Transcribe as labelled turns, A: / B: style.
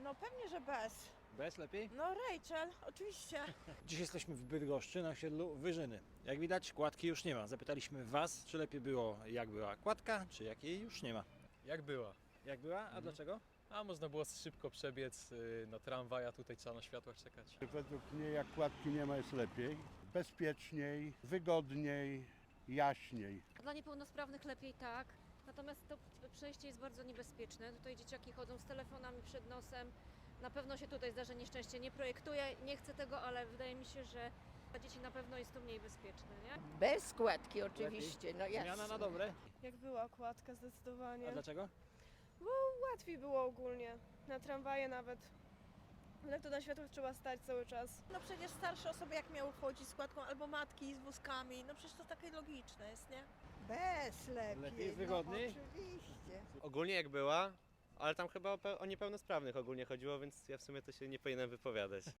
A: No pewnie, że bez.
B: Bez lepiej?
A: No Rachel, oczywiście.
B: Dziś jesteśmy w Bydgoszczy na osiedlu Wyżyny. Jak widać, kładki już nie ma. Zapytaliśmy Was, czy lepiej było, jak była kładka, czy jak jej już nie ma.
C: Jak była?
B: Jak była? A dlaczego?
C: A można było szybko przebiec na tramwaj, a tutaj trzeba na światłach czekać.
D: Według mnie jak kładki nie ma jest lepiej, bezpieczniej, wygodniej, jaśniej.
E: Dla niepełnosprawnych lepiej tak, natomiast to przejście jest bardzo niebezpieczne. Tutaj dzieciaki chodzą z telefonami przed nosem. Na pewno się tutaj zdarzy nieszczęście. Nie projektuję, nie chcę tego, ale wydaje mi się, że dla dzieci na pewno jest to mniej bezpieczne, nie?
F: Bez składki oczywiście, no jasne.
B: Zmiana na dobre.
G: Jak była okładka zdecydowanie.
B: A dlaczego?
G: Łatwiej było ogólnie. Na tramwaje nawet. Ale to na światłach trzeba stać cały czas.
A: No przecież starsze osoby jak miały chodzić z kładką, albo matki z wózkami, no przecież to takie logiczne jest, nie?
F: Bez lepiej.
B: Lepiej, wygodniej?
F: No, oczywiście.
H: Ogólnie jak była, ale tam chyba o niepełnosprawnych ogólnie chodziło, więc ja w sumie to się nie powinienem wypowiadać.